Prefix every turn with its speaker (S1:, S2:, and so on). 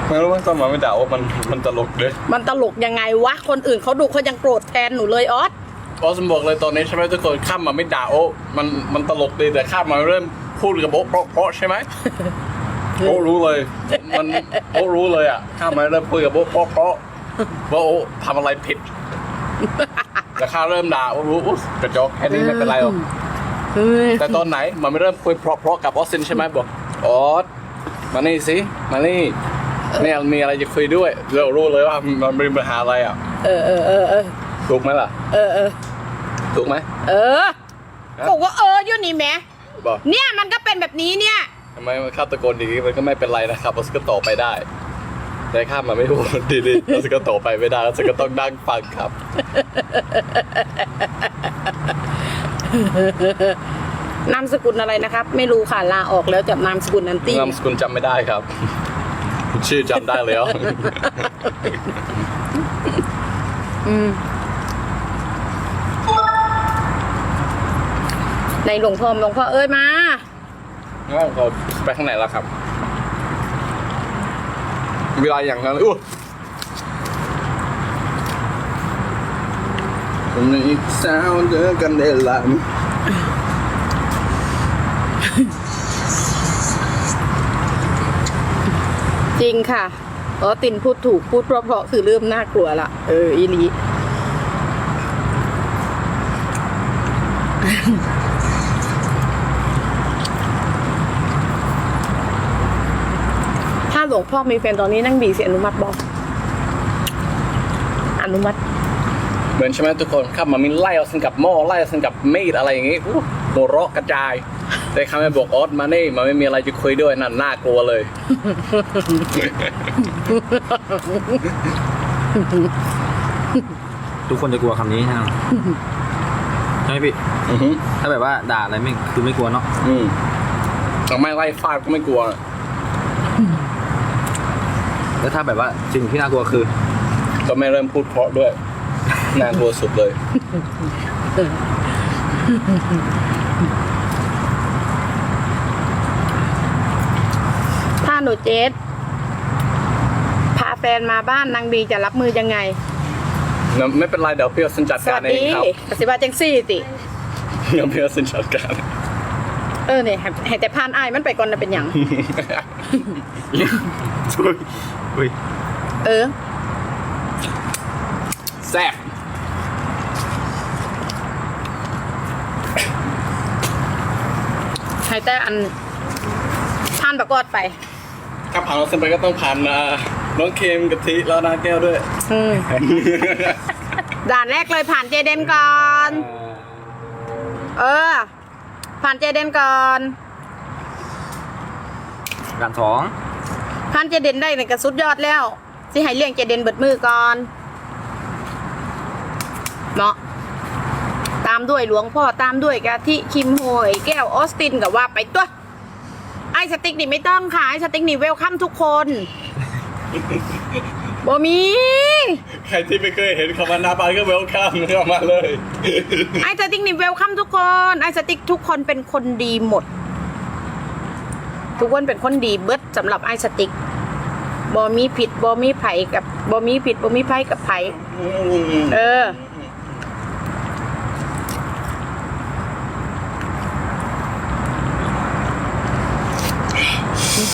S1: ไม่รู้ว่าตอนมาไม่ด่าว่ามันตลกเลย
S2: มันตลกยังไงวะคนอื่นเขาดูเขายังโกรธแทนหนูเลยออส
S1: ออสบอกเลยตอนนี้ใช่ไหมทุกคนข้ามมาไม่ด่าโอ้มันตลกดีแต่ข้ามมาเริ่มพูดกับโบ๊ะเพราะใช่ไหม โอ้รู้เลยโอ้รู้เลยอ่ะข้ามมาเริ่มพูดกับโบ๊ะเพราะว่าโอ้ทำอะไรผิดแต่ข้าเริ่มด่าโอ้รู้กระจอกแค่นี้ไม่เป็นไรหรอกแต่ตอนไหนมันไม่เริ่มคุยเพราะกับออสซินใช่ไหมบอกออสมานี่สิมานี่เนี่ยมีอะไรจะคุยด้วยเรารู้เลยว่ามันมีปัญหาอะไรอ่ะถูกไหมล่ะถูกไหม
S2: บอกว่าอยู่นี่แม่
S1: บอก
S2: เนี่ยมันก็เป็นแบบนี้เนี่ย
S1: ทำไมมันข้าตะโกนดีมันก็ไม่เป็นไรนะครับออสก็ต่อไปได้แต่ข้ามาไม่พูดดีๆออสก็ต่อไปไม่ได้ออสก็ต้องนั่งฟังครับ
S2: นามสกุลอะไรนะครับ ไม่รู้ค่ะลาออกแล้วจากนามสกุลนันตี้
S1: นามสกุลจำไม่ได้ครับ ชื่อจำได้แล้ว
S2: ในหลวงพ่อเอ้ยมา
S1: งั้นเราไปข้างไหนแล้วครับเวลาอย่างนั้นผมอีกสาวเจอกันได้ละ
S2: จริงค่ะตินพูดถูกพูดเพราะคือเริ่มน่ากลัวละอีลีถ้าหลวงพ่อมีแฟนตอนนี้นั่งบีเสียอนุมัติบอกอนุมัติ
S1: เหมือนใช่ไหมทุกคนครับมันมีไล่เอาสังกับหม้อไล่เอาสังกับมีดอะไรอย่างงี้หัวเราะกระจายแต่คำไม่บอกออสมานี่มันไม่มีอะไรจะคุยด้วยนั่นน่ากลัวเลย
S3: ทุกคนจะกลัวคำนี้ใช่ไหมใช่ไหมพี่ถ้าแบบว่าด่าอะไรไม่คือไม่กลัวเนาะ
S1: แต่ไม่ไล่ฟาดก็ไม่กลัว
S3: แล้วถ้าแบบว่าสิ่งที่น่ากลัวคือ
S1: ก็ไม่เริ่มพูดเพราะด้วยน่ากลัวสุดเลย
S2: ถ้าหนูเจสพาแฟนมาบ้านนางบีจะรับมือยังไง
S1: ไม่เป็นไรเดี๋ยวพี่ออสจัด
S2: ส
S1: การ
S2: วัส
S1: เอง
S2: ดี
S1: ครับ
S2: ปฏิบัติจังซี่ติ
S1: เดี๋ยวพี่ออสจัดการ
S2: เนี่ยให้แต่พานอายมันไปก่อนนะเป็นอย่าง
S3: อุ้ย
S1: แซ่บ
S2: ให้แต่อันพานประกอดไป
S1: ถ้าผ่านเราเส้นไปก็ต้องผ่านน้องเค็มกะทิแล้วนาแก้วด้วย
S2: ด่านแรกเลยผ่านเจเดนก่อน ผ่านเจเดนก่อน
S3: การสอง
S2: ผ่านเจเดนได้ในกระสุดยอดแล้วสิให้เลี้ยงเจเดนเบิดมือก่อนเนาะตามด้วยหลวงพ่อตามด้วยกะทิคิมโฮยแก้วออสตินกับว่าไปตัวไอสติ๊กนี่ไม่ต้องค่ะไอสติ๊กนี่เวลคัมทุกคนบ่มี
S1: ใครที่ไม่เคยเห็นคำว่านาบานก็เวลคัมเข้ามาเลย
S2: ไอสติ๊กนี่เวลคัมทุกคนไอสติ๊กทุกคนเป็นคนดีหมดทุกคนเป็นคนดีเบิดสำหรับไอสติ๊กบ่มีผิดบ่มีไผกับบ่มีผิดบ่มีไผกับไผ